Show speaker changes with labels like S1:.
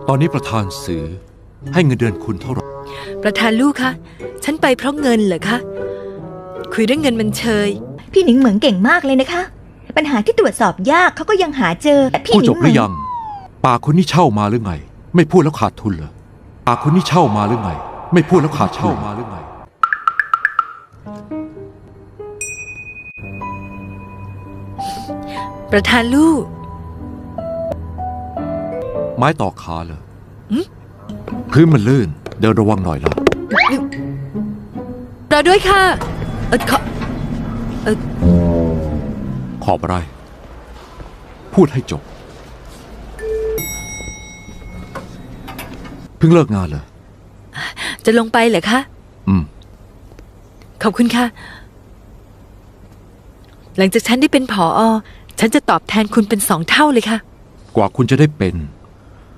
S1: ตอนนี้ประธานสื่อให้เงินเดือนคุณเท่าไหร่
S2: ประธานลูกคะฉันไปเพราะเงินเหรอคะคุยเรื่องเงินมันเชย
S3: พี่หนิงเหมืองเก่งมากเลยนะคะปัญหาที่ตรวจสอบยากเขาก็ยังหาเจอแต่พี่ห
S1: พูด
S3: นิ
S1: จ
S3: ง
S1: บหรือยังปากคุณนี่เช่ามาหรือไงไม่พูดแล้วขาดทุนเหรอปากคุณนี่เช่ามาหรือไงไม่พูดแล้วขาดเช่ามาหรือไง
S2: ประธานลูก
S1: ไม้ต่อขาเหรอพื้นมันลื่นเดินระวังหน่อยล่ะ
S2: รอด้วยค่ะ
S1: ขอบอะไรพูดให้จบเพิ่งเลิกงานเหรอ
S2: จะลงไปเหรอคะขอบคุณค่ะหลังจากฉันได้เป็นผอ.ฉันจะตอบแทนคุณเป็น2 เท่าเลยค่ะ
S1: กว่าคุณจะได้เป็น